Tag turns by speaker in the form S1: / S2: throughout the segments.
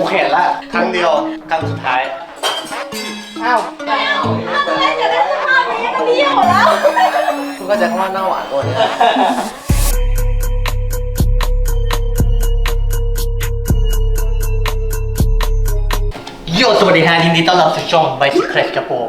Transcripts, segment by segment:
S1: กูเห็นละครั้งเดียวครั้งสุดท้ายอ้าวคุณก็จะคำว่าหน้าหวานตัวนี้โยสวัสดีฮะยินดีต้อนรับสู่ช่อง Bicycle ครับผม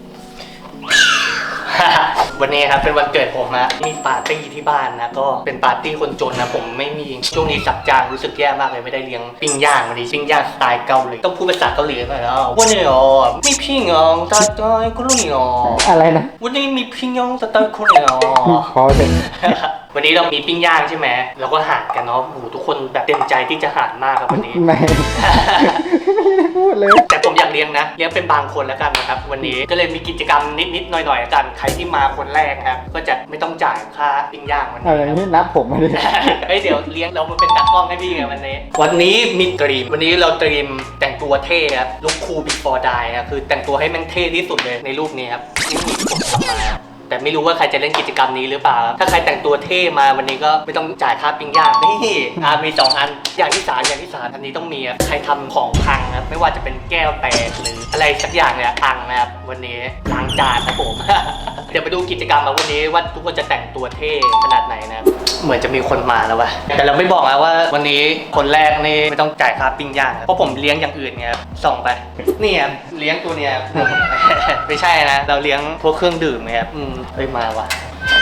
S1: วันนี้ครับเป็นวันเกิดผมนะมีปาร์ตี้ที่บ้านนะก็เป็นปาร์ตี้คนจนนะผมไม่มีช่วงนี้สับจางรู้สึกแย่มากเลยไม่ได้เลี้ยงปิ้งย่างวันนี้ปิ้งย่างสไตล์เกาหลีต้องพูดภาษาเกาหลีหน่อยแล้ววันนี้อ๋อมีปิ้งย่างตาตอยกุลุยอ๋อ
S2: อะไรนะ
S1: วันนี้มีปิ้งย่างตาตอยกุลุยอ๋อ
S2: พอเลย
S1: วันนี้เรามีปิ้งย่างใช่ไหมเราก็หารกันเนาะโอ้โหทุกคนแบบเต็มใจที่จะหารมากครับวันนี้
S2: ไม่ได้พูดเลย
S1: แต่ผมอยากเลี้ยงนะเลี้ยงเป็นบางคนแล้วกันนะครับวันนี้ก็เลยมีกิจกรรมนิดๆหน่อยๆกันใครที่มาคนแรกครับก็จะไม่ต้องจ่ายค่าปิ้งย่างวันนี้
S2: อะไรนี่นับผมมาดิ
S1: เดี๋ยวเลี้ยงเรามาเป็นตากล้องให้พี่ไงวันนี้มีตรีมวันนี้เราตรีมแต่งตัวเท่ครับลุคคูล before die ครับคือแต่งตัวให้มันเท่ที่สุดเลยในรูปนี้ครับนี่ผมทำมาแต่ไม่รู้ว่าใครจะเล่นกิจกรรมนี้หรือเปล่าถ้าใครแต่งตัวเท่มาวันนี้ก็ไม่ต้องจ่ายค่าปิ้งย่างนี่มี2อันอย่างที่3อันนี้ต้องมีครับใครทำของพังครับไม่ว่าจะเป็นแก้วแตกหรืออะไรสักอย่างเนี่ยพังนะครับวันนี้ล้างจานนะผม เดี๋ยวไปดูกิจกรรมมาวันนี้ว่าทุกคนจะแต่งตัวเท่ขนาดไหนนะเหมือนจะมีคนมาแล้ววะแต่เราไม่บอกนะว่าวันนี้คนแรกนี่ไม่ต้องจ่ายค่าปิ้งย่างเพราะผมเลี้ยงอย่างอื่นไงครับส่องไปนี่ครับเลี้ยงตัวเนี้ย ไม่ใช่นะเราเลี้ยงพวกเครื่องดื่มไงครับเฮ้ยมาว่ะ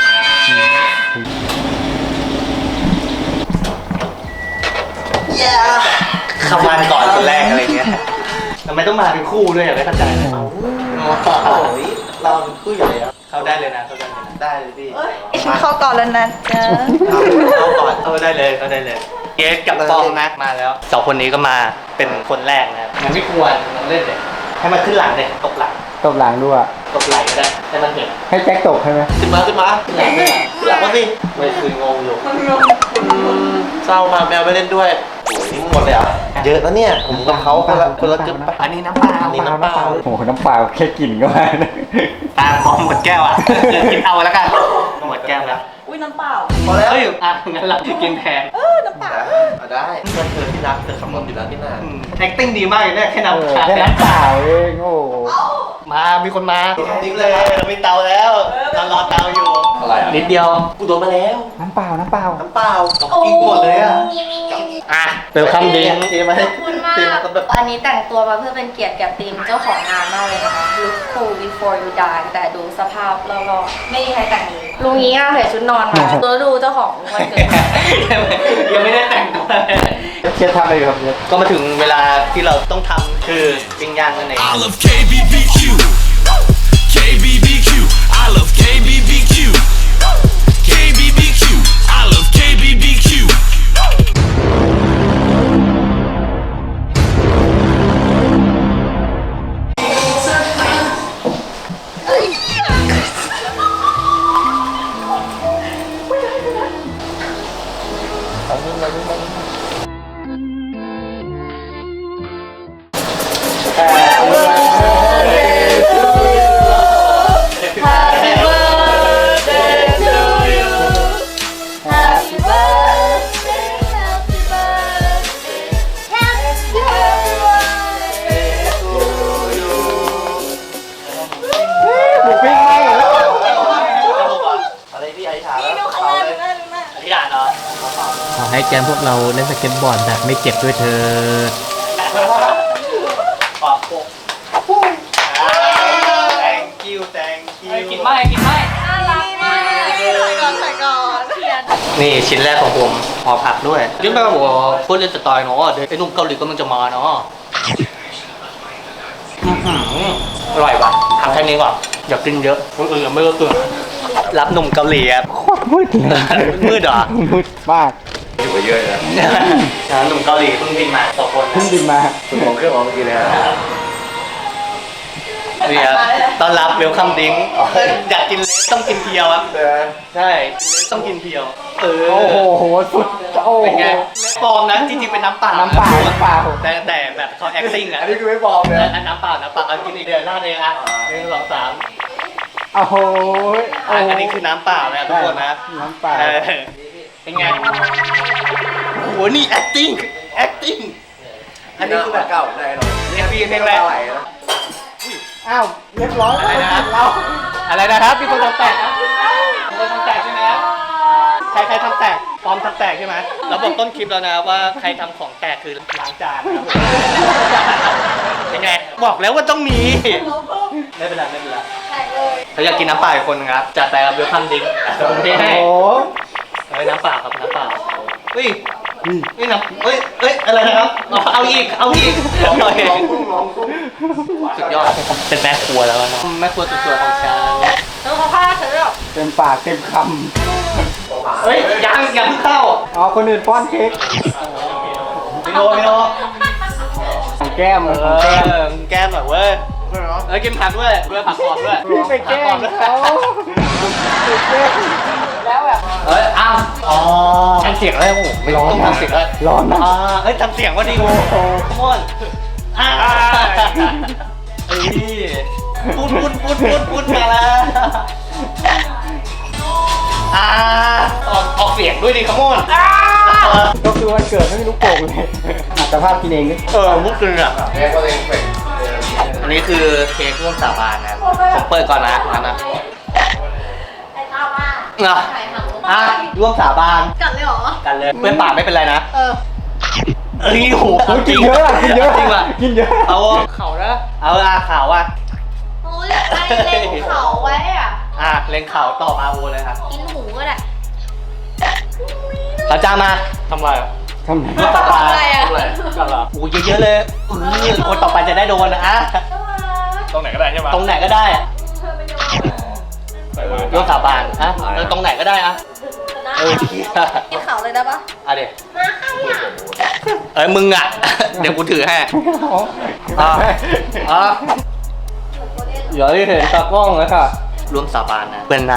S1: เข้ามาก่อนคนแรกอะไรเงี้ยทำไมต้องมาเป็นคู่ด้วยไม่เข้าใจเราเป็นคู่อยู่แล้วเข้าได้เลยนะได้เลยพี่
S3: ฉันเข้าก่อนแล้วนะเจ้า
S1: เข้าก่อนเข้าได้เลยเกสกับปองนะมาแล้ว2คนนี้ก็มาเป็นคนแรกนะครับมันไม่ควรต้องเล่นเลยให้มันขึ้นหลังเลยตกหลัง
S2: ด้วย
S1: ตกไหลก็ได้ให้มันเห็น
S2: ให้แจ็คตกใช่ไหม
S1: ขึ้นมาหลังมาสิไม่คืองงอยู่เศร้ามาแมวไม่เล่นด้วยโอ้ยหมดเลยอ่ะเยอะแล้วเนี่ยผมกับเขาคนละจุดอันนี้น้ำเปล่า
S2: โอ้โหน้ำเปล่าแค่กลิ่นก็มา
S1: ตาพร้อมหมดแก้วอ่ะกินเอาแล้วกันหมดแก้วแล้ว
S3: อุ้ยน้ำเปล่า
S1: พอแล้วงั้นเรากินแทน
S3: น้ำเปล่า
S1: ได้เพื่อนเธอที่รักเธอคำนวณอยู่แล้วที่หน้าacting ดีมากเลยเนี่ยแค่น้ำเ
S2: ปล่าเองโอ้
S1: มีคนมาดิ้งเลยเรามีเตาแล้วเรารอเตาอยู่อะไรนิดเดียวกูโดนมาแล้ว
S2: น้ำเปล่า
S1: กินหมดเลยเติมคำดิ้งมาให้
S3: คุณมากอันนี้แต่งตัวมาเพื่อเป็นเกียรติแก่ทีมเจ้าของงานมากเลยนะคะ Look cool before you die แต่ดูสภาพรอบๆไม่มีใครแต่งนี้ลุงนี้ใส่ชุดนอนมาตัวดูเจ้าของวันเกิด
S1: ยังไม่ได้แต่งตัว
S2: เชียร์ทำอะไรครับ
S1: ก็มาถึงเวลาที่เราต้องทำคือปิ้งย่างนั่นเอง
S4: I love KBBQ KBBQ I love KBBQ KBBQ I love KBBQ
S1: ขอให้แกมพวกเราเล่นสเก็ตบอร์ดแบบไม่เจ็บด้วยเถิดthank you กินไม่น่ารักมากใส่ก่อนนี่ชิ้นแรกของผมห่อผักด้วยยิ่งแบบว่าพูดเล่นสไตล์เนาะเดี๋ยวไอ้นุ่มเกาหลีก็มันจะมาเนาะอร่อยว่ะทำแค่นี้ก่อนอยากกินเยอะคนอื่นไม่ก็เกินรับหนุ่มเกาหลีครับ
S2: โคตรมืด
S1: เหรอ
S2: มืดมาก
S1: อยู่เยอะเลยหนุ่มเกาหลีเพิ่งบินมา2 คน
S2: สมองเครื่องออกเมื่อกี้เลย
S1: นี่ครับต้อนรับเวลคัมดิ้งอยากกินเล็กต้องกินเพียวครับใช่ต้องกินเพียว
S2: โอ้โหสุด
S1: เป็นไงปลอมนะจริงๆเป็นน้ำเปล่าแต่แบบเขา acting อ่ะ
S2: อันนี้คือไม่ปลอมเลย
S1: น้ำเปล่ากินอีกเดือนหน้าเลยอ่ะ1 2 3
S2: โอ้โห
S1: อันนี้คือน้ำเปล่านะทุกคนนะ
S2: น้ำเปล่า
S1: เป็นไงโอ้โหนี่ acting อันนี้คือแบบ
S2: เก่าได้หรอ
S1: เรียกพี่เพลงอะไร
S2: ไหลนะ
S5: อ้าวเรียบร้อย
S1: อะไรนะครับ
S5: เรา
S1: อะไรนะครับมีคนทำแตกนะมีคนทำแตกใช่ไหมครับใครทำแตกปลอมทำแตกใช่ไหมเราบอกต้นคลิปแล้วนะว่าใครทำของแตกคือล้างจานนะครับเป็นไงบอกแล้วว่าต้องมีไม่เป็นไรไม่เป็นไร
S3: แตกเลย
S1: เขาอยากกินน้ำเปล่าอีกคนครับจัดไปครับเวลคัมดิ้งผมเทให้
S5: โอ้
S1: เฮ้ยน้ำเปล่าครับน้ำเปล่าเฮ้ยเฮ้ยน้ำเฮ้ยอะไรนะครับเอาอีกโอเค สุดยอด เป็นแม่ครัวแล้วนะแม่ครัวสวยๆของฉัน
S3: แล้วเขาฆ่าเธอหรอ
S5: เต็มปากเต็มค
S1: เฮ้ยยังเพิ่งเข้า
S5: ำอ๋อคนอื่นป้อนเค้ก
S1: พี่โน
S5: ของแก้ม
S1: เอ
S5: ของแก้ม
S1: อแก้มหน่อยเว้ยกินผักด้วยผักกรอบด้วย
S5: พี่ไปแกล้งเขาไปแกล้งแล้วแบบ
S1: อ้าวอ๋อทำเสียงแล้วโอ้โหไม่ต้องทำเสียงแล้ว
S5: ร้อนนะ
S1: เฮ้ยทำเสียงว่าดีโอ้โหมอนเฮ้ยพูดมาแล้วออกเสียงด้วยดิขโมน
S5: ก็คือวันเกิดไม่มีลูกโป่งเลยอัตภาพกินเองดิ
S1: มุกนึงอ่ะ
S2: แม่ก็เลยเฟก
S1: อันนี้คือเค้กร่วมสาบานนะผมเปิดก่อนนะนะ
S3: ไอ้ตาบ้า
S1: อ่ะ
S3: ไหนหางลูก
S1: ร่วมสาบาน
S3: กัดเลยเหรอ
S1: กันเลยเพื่อนปากไม่เป็นไรนะ
S3: เออ
S1: เอ้ยโห
S5: กินเยอะอะกินเยอะ
S1: จริงว่ะ
S5: กินเยอะ
S1: เอาเข่านะเอาข่าวอ่ะ
S3: โอ้ยไอ้เล็งเขาไว้อ่ะ
S1: เล็งเข่าต่อมาโอเลยครับ
S3: กินหูก็ได้
S1: พระเจ้ามาทำไรอ่ะ
S5: ทำไม
S1: ร่วมสาบาน
S3: อะไรอ่ะ
S1: กันเหรอโอ้ยเยอะๆเลยคนต่อไปจะได้โดนนะ
S2: ตรงไหนก็ได้ใช่ไหม
S1: ตรงไหนก็ได้อะร่วมสาบานแล้วตรงไหนก็ได้อะ
S3: กินเขาเลยได้ปะ
S1: เดี๋ยวมึงอ่ะ เดี๋ยวกูถือให้อย่าให้เห็นตากล้องเลยค่ะร่วมสาบานนะเปิ้ลนา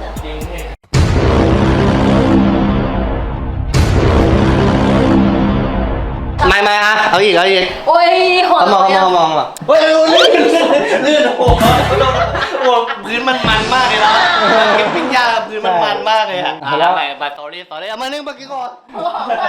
S1: ไม่เอาอีก
S3: โอ้ยหัว
S1: มองเฮ้ยลื่นโอ้โหพื้นมันมากเลยนะเก็บปิ้งย่างพื้นมันมากเลยอะแล้วไปสอรี่เอามานึ่งเมื่อกี้ก่อน
S3: ไป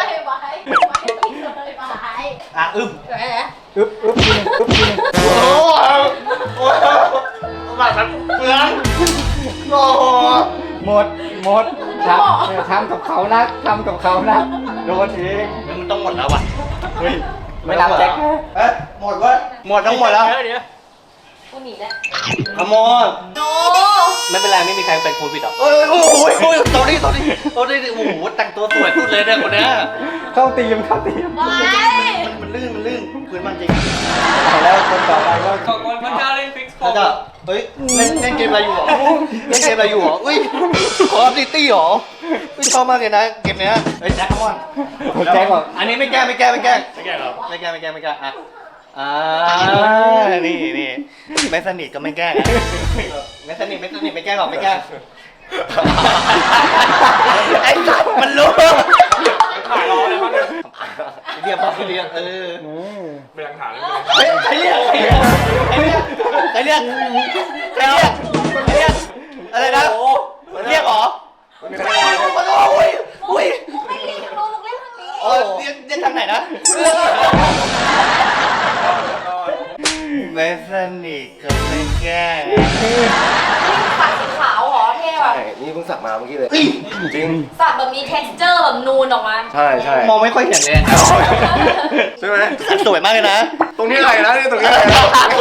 S1: อึ้ม
S5: อึ๊บกินอึ๊บกิน
S1: โอ้โหแบบนั้นเปลืองโอ้โห
S5: หมดทำกับเขานะทำกับเขานะโดนเอง
S1: มันต้องหมดแล้วว่ะ
S5: เฮ้ยไม่รับแจ็ค
S1: หมดทั้งหมดแล้ว
S3: กูหนีแล้ว
S1: ขโมย
S3: โน
S1: ไม่เป็นไรไม่มีใครเป็นโควิดหรอกโอ้ยตอนนี้โอ้โหแต่งตัวสวยสุดเลยเนี่ยคนเนี้ย
S5: เข้าตีม
S3: ไป
S1: มันลื่นพื้นมันจริง
S5: เอาแล้วคนต่อไปก็
S1: ขอบคุณพระเจ้าเล่นฟิกซ์พระเจ้าเฮ้ยเล่นเกมอะไรอยู่หรออุ้ยคอร์ดิตี้หรอชอบมากเลยนะเกมเนี้ยเฮ้ยแจ็คคอมอน
S5: แจ็คบอก
S1: อันนี้ไม่แก้หรอไม่แก้นี่ไม่สนิทก็ไม่แก้ไม่สนิทไม่แก้หรอกไม่แก้ไอ้สัตว์มันรู้ถ่ายรอเลยมั้งเรียก
S2: เป็นหลักฐานเลย
S1: ใครเรียกอะไรนะเรียกหรออุ้ย
S3: ไม่เรียกลูกเล่นทางนี้
S1: เรียกทางไหนนะไม่สนิทก็ไม่แก้
S3: ปัดสีขาวหรอเท่ว่ะ
S2: ใช่นี่เพิ่งสักมาเมื่อกี้เลยจริง
S3: สักแบบมี texture แบบนูนออกมา
S2: ใช่
S1: มองไม่ค่อยเห็นเลย
S2: ใช่ไหม
S1: สวยมากเลยนะ
S2: ตรงนี้อะไรนะนี่ตรงนี้อะไรนะ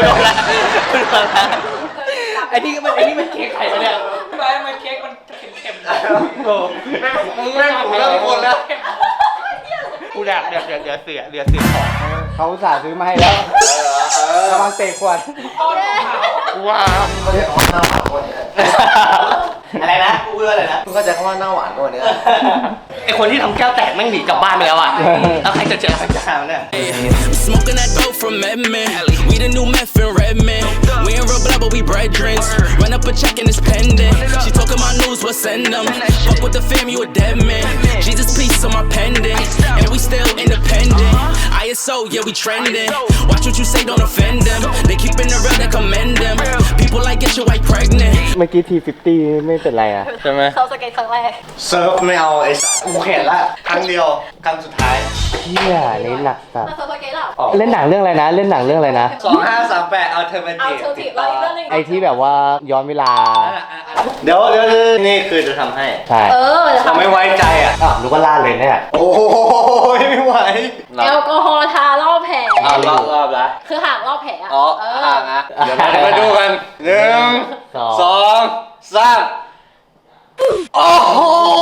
S1: ไอ้นี่มันเค้กไข่ปะเนี่ยมันเค้กมันเค็มๆโอ้
S2: แม่งถูกแล้วทุกคนแล้ว
S1: กูอยากเดี๋ยวเสียของ
S5: เขาอุตส่าห์ซื้อมาให้แล้วระวังเตะขวด
S1: ว้าว
S2: เขาเรียกว่าหน้าหวานคนนี้
S1: อะไรนะกูเอะไรนะ
S2: คุณเข้าใจคำว่าหน้าหวานคนนี้
S1: ไอคนที่ทำแก้วแตกแม่งหนีกลับบ้านไปแล้วอ่ะแล้วใครจะเจอใครจะหาเนี่ย
S4: Smoking that dope from Edmond. We the new meth in Redmond. We ain't real blood, but we brethren. Run up a check and it's pending. She talking my news, we'll send them. Fuck with the fam, you a dead man. Jesus, peace on my pendant. And we still independent. ISO, yeah, we trending. Watch what you say, don't offend them. They keeping it real, they commend them. People like get your wife pregnant.
S5: เมื่อกี้T50ไม่เป็นไรอ่ะ
S1: ใช่ไหม
S3: เขาสเก็ตครั้งแรก
S2: เซิร์ฟไม่เอาไอ้สัตว์กูเข็ดละครั้งเดียวครั้งสุดท้าย
S5: เชี่ยนี่หนักสัส
S3: มาสเก็ตหรอ
S5: เล่นหนังเรื่องอะไรนะ เล่นหนังเรื่องอะไรนะ
S2: 2538 Alternative
S3: เอาเทอร์ทีเราอีกเรื่องหนึง
S5: ไอที่แบบว่าย้อนเวลา
S2: เดี๋ยวนี่คือจะทำให้
S5: ใช่
S3: จะ
S2: เรา
S3: ทำ
S2: ไม่ไว้ใจอ่ะ
S5: อ้าวรู้ว่าล่าเลยเนี่ย
S2: โอ้ยไม่ไหว
S3: แอลกอฮอล์ทารอบแผล
S2: เอารอบละ
S3: คือหากรอบแผลอะ
S2: อ๋อห่างนะเดี๋ยวเราจะมาดูกัน1 2 3โอ้โห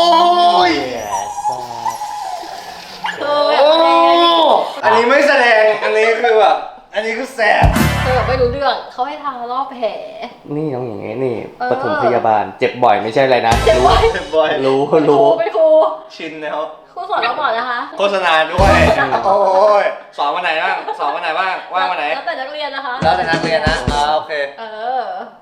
S2: อันนี้ไม่แสดง อันนี้คือแบบ อันนี้คือแสบ
S3: แบบไม่รู้เรื่องเขาให้ทารอบแผล
S5: นี่ต้องอย่างงี้นี่ปฐมพยาบาล เจ็บบ่อยไม่ใช่อะไรนะ
S3: เจ็บบ่อย
S2: เจ็บบ่อย
S5: รู้
S3: เป็นครู
S2: ชินแล้ว
S3: ครูสอนเราก่อนนะคะ
S2: โฆษณาด้วย โอ้ยสอนวันไหนบ้าง สอนวันไหนบ้าง ว่างวันไหน
S3: แล้วแต่นักเรียนนะคะ
S2: แล้วแต่นักเรียนนะโอเค
S3: เออ